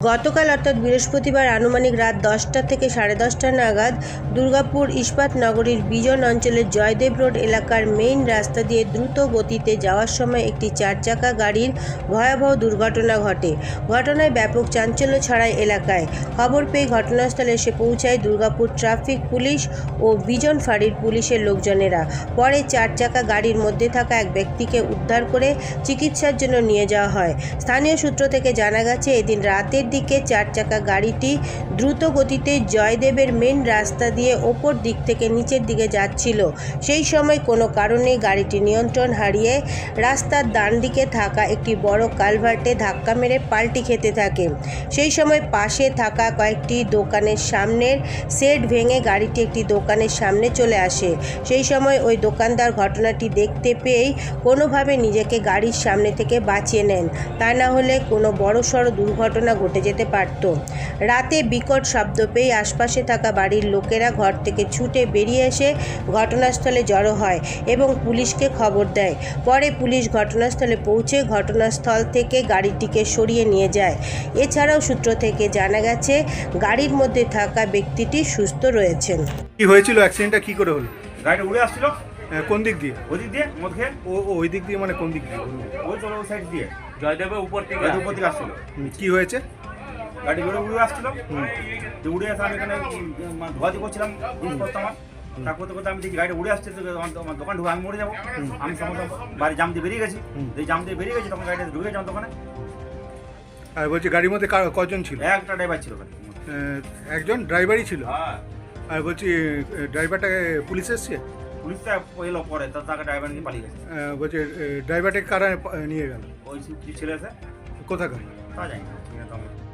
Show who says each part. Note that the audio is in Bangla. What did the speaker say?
Speaker 1: গতকাল অর্থাৎ বৃহস্পতিবার আনুমানিক রাত 10টা থেকে 10:30 নাগাদ দুর্গাপুর ইস্পাত নগরীর বিজন অঞ্চলের জয়দেব রোড এলাকার মেইন রাস্তা দিয়ে দ্রুত গতিতে যাওয়ার সময় একটি 4 চাকা গাড়ির ভয়াবহ দুর্ঘটনা ঘটে। ঘটনায় ব্যাপক চাঞ্চল্য ছড়ায় এলাকায়। খবর পেয়ে ঘটনাস্থলে এসে পৌঁছায় দুর্গাপুর ট্রাফিক পুলিশ ও বিজন ফাঁড়ির পুলিশের লোকজনেরা। পরে 4 চাকা গাড়ির মধ্যে থাকা এক ব্যক্তিকে উদ্ধার করে চিকিৎসার জন্য নিয়ে যাওয়া হয়। স্থানীয় সূত্র থেকে জানা গেছে, এদিন রাতের দিকে 4 চাকা গাড়িটি দ্রুত গতিতে জয়দেবের মেন রাস্তা দিয়ে ওপর দিক থেকে নিচের দিকে যাচ্ছিল। সেই সময় কোনো কারণে গাড়িটি নিয়ন্ত্রণ হারিয়ে রাস্তার ডান দিকে থাকা একটি বড় কালভার্টে ধাক্কা মেরে পাল্টি খেতে থাকে। সেই সময় পাশে থাকা কয়েকটি দোকানের সামনের শেড ভেঙে গাড়িটি একটি দোকানের সামনে চলে আসে। সেই সময় ওই দোকানদার ঘটনাটি দেখতে পেয়েই কোনোভাবে নিজেকে গাড়ির সামনে থেকে বাঁচিয়ে নেন, তা না হলে কোনো বড়সড় দুর্ঘটনা ঘটে যেতে পারত। রাতে বিকট শব্দ পেয়ে আশপাশে থাকা বাড়ির লোকেরা ঘর থেকে ছুটে বেরিয়ে এসে ঘটনাস্থলে জড়ো হয় এবং পুলিশকে খবর দেয়। পরে পুলিশ ঘটনাস্থলে পৌঁছে ঘটনাস্থল থেকে গাড়িটিকে সরিয়ে নিয়ে যায়। এছাড়াও সূত্র থেকে জানা গেছে, গাড়ির মধ্যে থাকা ব্যক্তিটি সুস্থ রয়েছেন।
Speaker 2: কি হয়েছিল, অ্যাক্সিডেন্টটা কি করে হলো?
Speaker 3: গাড়িটা উড়ে আসছিল।
Speaker 2: কোন দিক দিয়ে?
Speaker 3: ওই দিক দিয়ে মদ খেয়ে।
Speaker 2: ওই দিক দিয়ে মানে কোন দিক দিয়ে?
Speaker 3: ওই চলো ওই সাইড দিয়ে জয়দেবের উপর থেকে আসছিল।
Speaker 2: কি হয়েছে?
Speaker 3: গাড়ি উড়ে আসছিল। তো উড়ে আসা আমি এখানে ধোয়াধি করছিলাম, জিনিস করতাম আমার। তা করতে করতে আমি দেখি গাড়িটা উড়ে আসছে, তো আমার দোকান ঢুকে আমি মরে যাবো। আমি সমস্ত বাড়ি জাম দিয়ে বেরিয়ে গেছি। এই জাম দিয়ে বেরিয়ে গেছি, তখন গাড়িটা ঢুকে যাও দোকানে।
Speaker 2: আর বলছি গাড়ির মধ্যে কজন ছিল?
Speaker 3: একটা ড্রাইভার ছিল।
Speaker 2: একজন ড্রাইভারই ছিল।
Speaker 3: হ্যাঁ।
Speaker 2: আর বলছি ড্রাইভারটাকে পুলিশ এসছে?
Speaker 3: পুলিশটা এলো পরে, তাকে ড্রাইভার নিয়ে পালিয়ে গেছে।
Speaker 2: বলছি ড্রাইভারটাকে কারা নিয়ে গেল?
Speaker 3: ওই ছেলে আছে,
Speaker 2: কোথাকার?
Speaker 3: তা জানি না।